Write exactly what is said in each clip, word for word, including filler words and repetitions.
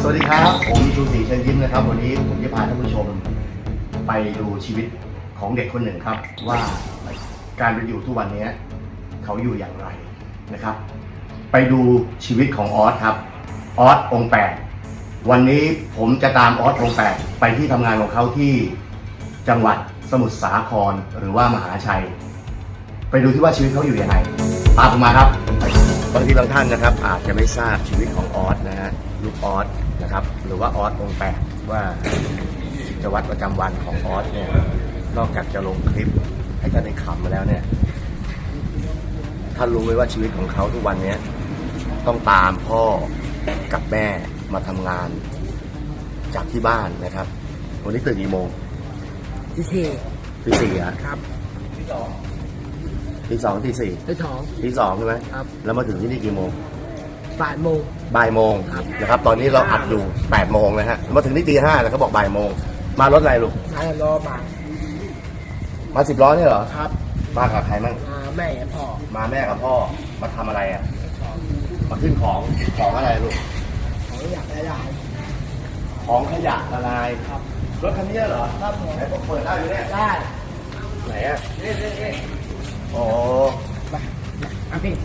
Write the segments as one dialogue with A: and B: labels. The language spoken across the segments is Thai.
A: สวัสดีครับผมชูศรีเชิญยิ้มนะครับวันนี้ผมจะพาท่านผู้ชมไปดูชีวิตของเด็กคนหนึ่งครับว่าการเป็นอยู่ทุกวันนี้เขาอยู่อย่างไรนะครับไปดูชีวิตของออสครับออสองค์แปดวันนี้ผมจะตามออสองค์แปดไปที่ทำงานของเขาที่จังหวัดสมุทรสาครหรือว่ามหาชัยไปดูที่ว่าชีวิตเขาอยู่ยังไงตามผมมาครับบางทีบางท่านนะครับอาจจะไม่ทราบชีวิตของออสนะฮะลูกออสนะครับหรือว่าออสองค์แปดว่ากิจวัตรประจำวันของออสเนี่ยนอกจากจะลงคลิปให้ท่านได้ขำมาแล้วเนี่ยท่านรู้ไหมว่าชีวิตของเขาทุกวันนี้ต้องตามพ่อกับแม่มาทำงานจากที่บ้านนะครับวันนี้ตื่นกี่โมง
B: ที่สี่
A: ตีสี่อ่ะ
B: ครับที่สอง
A: ตีสองตีสี่
B: ที่สอง
A: ตีสองใช่ไหม
B: ครับ
A: แล้วมาถึงที่นี่กี่โมง
B: บ่ายโมง
A: บ่ายโมงนะครับตอนนี้เราอัดอยู่แปดโมงนะฮะมาถึงที่ตีห้าแต่เขาบอกบ่ายโมงมารถอะไรลูก
B: มารอมา
A: มาสิบล้อเนี่ยเหรอ
B: ครับ
A: มากับใครมั่ง
B: มาแม่กับพ่อ
A: มาแม่กับพ่อมาทำอะไรอ่ะมาขึ้นของของอะไรลูก
B: ของขยะละลาย
A: ของขยะละลายครับรถคันนี้เหรอครับไหนผมเปิดได้อยู่เนี่ย
B: ได้
A: ไหนอ่ะนี่นี่นี่โอ้
B: ไปอ่ะพี่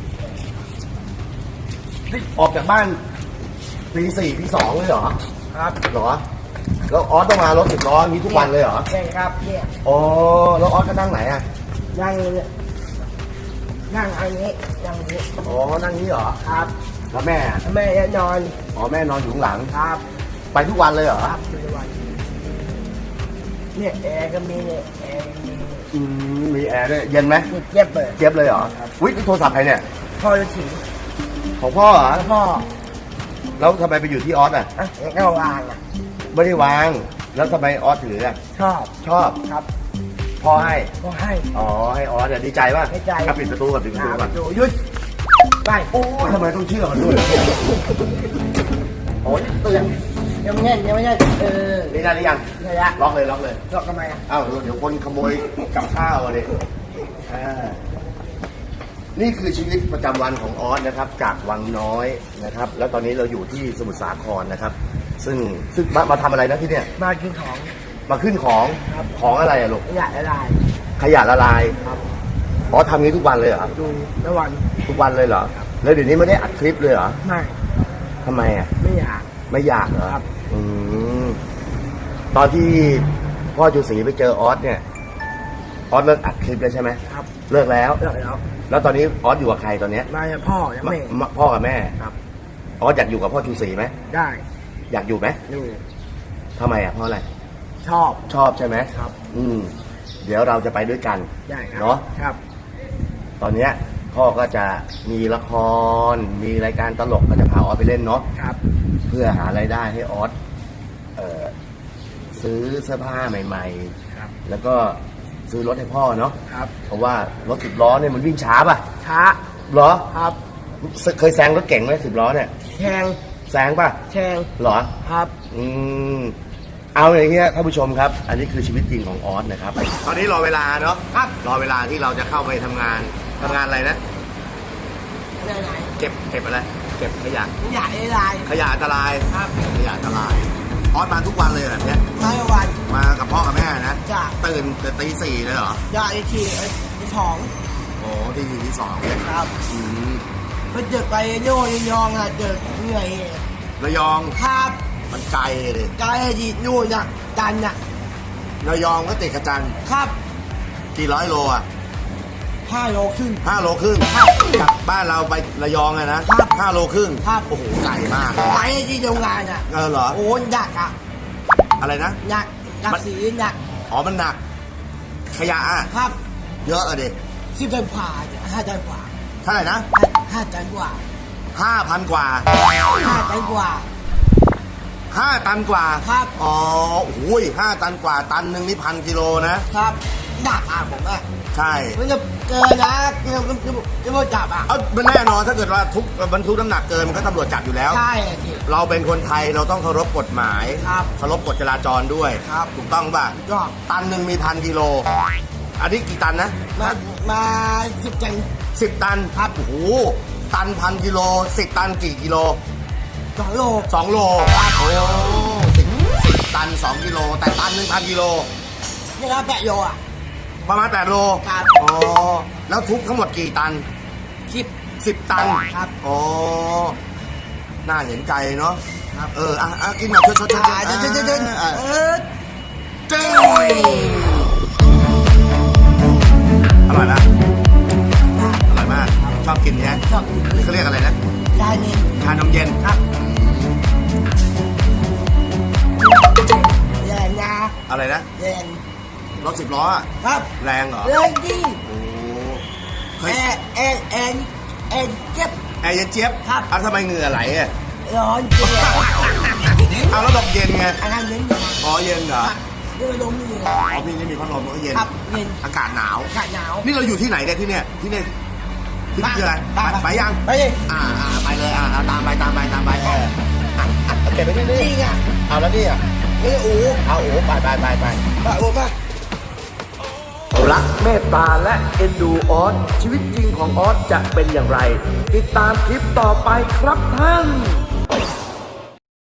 A: ออกจากบ้านปีสี่ปีสองเลยเหรอ
B: ครับ
A: เหรอแล้วออสต้องมารถสิบล้อนี้ทุกวันเลยเหรอ
B: ใช่ครับเนี่ย
A: อ๋อแล้วออสก็นั่งไหนอ่ะ
B: นั่งนั่งอันนี้นั่งนี้
A: อ๋อนั่งนี้เหรอ
B: ครับ
A: แล้วแม่
B: แม่จะนอน
A: อ๋อแม่นอนอยู่ข้างหลัง
B: ครับ
A: ไปทุกวันเลยเหรอ
B: ครับทุกวันเนี่ยแอร์ก็มีเนี่ยแอร์มี
A: อืมมีแอร์ด้วยเย็นไหม
B: เย็บเลย
A: เย็บเลยเหรอวิทย์โทรศัพท์ใครเนี่ย
B: พ่อจะถือ
A: ของพ่อเหรอ
B: พ่อ
A: แล้วทำไมไปอยู่ที่ออสอ่ะ
B: อ่ะก็วางอ่ะ
A: ไม่ได้วางแล้วทำไมออสถืออ่ะ
B: ชอบ
A: ชอบ
B: ครับ
A: พ่อให้
B: พ่อให้
A: อ๋อให้ออสเนี่ยดีใจป่ะ
B: ดีใจ
A: ปิดประตูก่อนปิดประตูก่อน
B: หยุดไป
A: โอ้ทำไมต้องเชื่อมันด้วยโอ้ยตื่น
B: ยังไม่แน่ยังไม่แน่เออ
A: นี่ได้หรือยัง
B: ได้ละ
A: ล็อกเลยล็อกเลย
B: ล็อกทำไมอ่ะ
A: อ้าวเดี๋ยวคนขโมยกับข้าวเลยอ่านี่คือชีวิตประจำวันของออสนะครับจากวังน้อยนะครับแล้วตอนนี้เราอยู่ที่สมุทรสาครนะครับซึ่งซึ่งมามาทำอะไรนะที่เนี่ย
B: มาขึ้นของ
A: มาขึ้นของของอะไรอะลูก
B: ขยะละลาย
A: ขยะละลาย
B: ครับ
A: อ๋อทำงี้ทุกวันเลยเหรอ
B: ดูทุกวัน
A: ทุกวันเลยเหรอแล้วเดี๋ยวนี้ไม่ได้อัดคลิปเลยเหรอ
B: ไม่
A: ทำไมอะ
B: ไม่อยาก
A: ไม่อยากเหรอ
B: ครับ
A: อืมตอนที่พ่อจูศรีไปเจอออสเนี่ยออสเลิกอัดคลิปแล้วใช่ไหม
B: ครับ
A: เลิกแล้ว
B: เลิกแล้ว
A: แล้วตอนนี้ออสอยู่กับใครตอนนี้
B: มากับพ่อกับแม่
A: พ่อกับแม่
B: ครับ
A: ออสอยากอยู่กับพ่อจูศรีไหม
B: ได้
A: อยากอยู่ไหม
B: อยู่
A: ทำไมอ่ะเพราะอะไร
B: ชอบ
A: ชอบใช่ไหม
B: ครับ
A: อืมเดี๋ยวเราจะไปด้วยกัน
B: ได้ครับ
A: เนาะ
B: ครับ
A: ตอนเนี้ยพ่อก็จะมีละครมีรายการตลกก็จะพาออสไปเล่นเนาะ
B: ครับ
A: เพื่อหารายได้ให้ออสเอ่อซื้อเสื้อผ้าใหม่ๆ
B: ครับ
A: แล้วก็ซื้อรถให้พ่อเนาะ
B: ครับ
A: เพราะว่ารถสิบล้อเนี่ยมันวิ่งช้าป่ะ
B: ช้า
A: เหรอ
B: ครับ
A: เคยแซงรถเก่งไหมสิบล้อเนี่ย
B: แซง
A: แซงป่ะ
B: แซง
A: เหรอ
B: ครับ
A: อืมเอาอย่างเงี้ยท่านผู้ชมครับอันนี้คือชีวิตจริงของออสนะครับตอนนี้รอเวลาเนาะ
B: ครับ
A: รอเวลาที่เราจะเข้าไปทำงานทำงานอะไรนะเก็บเก็บอะไรเก็บขยะ
B: ขยะอันตราย
A: ขยะอันตราย
B: ครับ
A: ขยะอันตรายออสมาทุกวันเลยแบบเนี้ย
B: มาทุกวัน
A: มากับพ่อกับแม่นะ
B: จ้ะ
A: ตื่นแต่ตีสี่เลยเหร
B: อย่าไอทีไอที่สอง
A: โอ้ที่ที่สองเลย
B: ครับ
A: อืม
B: ไปเจอไปโย่ยองอ่ะเจอเหนื่อย
A: ระยอง
B: ครับ
A: มันไกลเลย
B: ไกลดีนู่นน่ะจันน่ะ
A: ระยองก็ติดกับจัน
B: ครับ
A: กี่ร้อยโลอ่ะ
B: ห้าโลครึ่ง
A: ห้าโลครึ่งจากบ้านเราไประยองอะนะครับห้าโลครึ่ง
B: ครับ
A: โอ้โหไกลมาก
B: ไปที่โรงงานอ่ะ
A: เออเหรอ
B: โอ้ยหนักอ่ะ
A: อะไรนะ
B: หนักหนักสีหนัก
A: อ๋อมันหนักขยะอ่ะ
B: ครับ
A: เยอะอะดิ
B: สิบตันกว่าห้าตันกว่า
A: เท่าไหร่นะ
B: ห้าตันกว่า
A: ห้าพันกว่า
B: ห้าตันกว่า
A: ห้าตันกว่า
B: ครับ
A: อ๋อโอ้ยห้าตันกว่าตันหนึ่งนี่พันกิโลนะครับ
B: หนักอ่ะผมอ่ะ
A: ใช่
B: มันจะเกินนะจะจะจะมาจับอ่ะ
A: เออมันแน่นอนถ้าเกิดว่าทุกบรรทุกน้ำหนักเกินมันก็ตำรวจจับอยู่แล้ว
B: ใช่
A: เราเป็นคนไทยเราต้องเคารพกฎหมาย
B: ครับ
A: เคารพกฎจราจรด้วย
B: ครับ
A: ถูกต้องป่ะ
B: ก็
A: ตันหนึ่งมีพันกิโลอันนี้กี่ตันนะ
B: มามาสิบตัน
A: สิบตัน
B: ครับ
A: โอ้โหตันพันกิโลสิบตันกี่กิโล
B: สองโล
A: สองโลโอ้สิบสิบตันสองกิโลแต่ตันหนึ่งพันกิโล
B: นี่ครับแปดโลอ่ะ
A: ประมาณแปดโล
B: ครับ
A: อ๋อแล้วทุกทั้งหมดกี่ตัน
B: สิบ
A: สิบตัน
B: ครับ
A: อ๋อน่าเห็นใจเนาะ
B: ครับ
A: เอออ่ะอ่ะกินหน่อยชดชดชด
B: อ่าเดินเดินเดินเดิน
A: อ่ะ
B: เออ
A: จึ้งอร่อยนะอร่อยมากชอบกินเนี่ย
B: ชอบกิน
A: นี่เขาเรียกอะไรนะ
B: ชาเย็น
A: ชานมเย็น
B: ครับแรงนะ
A: อะไรนะ
B: แรง
A: รถสิบล้ออะ
B: ครับ
A: แรงเหรอ
B: แรงดิ
A: โอ้เค
B: แอย ร์แอร์แอร์แอร์เจ็บ
A: แอร์เย็นเจี๊ยบ
B: ครับ
A: อ้าวทำไมเหงื่อไหลอ่ะ
B: ร้อนเจ็บ
A: เอาแล้วบอกเย็นไง
B: อันนั้นเย็น
A: อ๋อเย็นเหรอ
B: นี่มันลมนี่
A: อ๋อพี่นี่มีพัดลมมันก็เย็น
B: ครับเย็น
A: อากาศหนาว
B: อากาศหนาว
A: นี่เราอยู่ที่ไหนเนี่ยที่เนี่ยที่เนี่ยที่นี่คืออะไรไปไปยัง
B: ไปเลย
A: อ่าอ่าไปเลยอ่าเอาตามไปตามไปตามไปเอออ่ะอ่ะเอาเก็บไปที่นี่
B: นี่ไง
A: เอาแล้วนี่อ่ะ
B: นี่อู๋
A: เอาโอ้ไปไปไปไป
B: ไปอู๋ไป
C: รักเมตตาและเอ็นดูออสชีวิตจริงของออสจะเป็นอย่างไร ติดตามคลิปต่อไปครับท่าน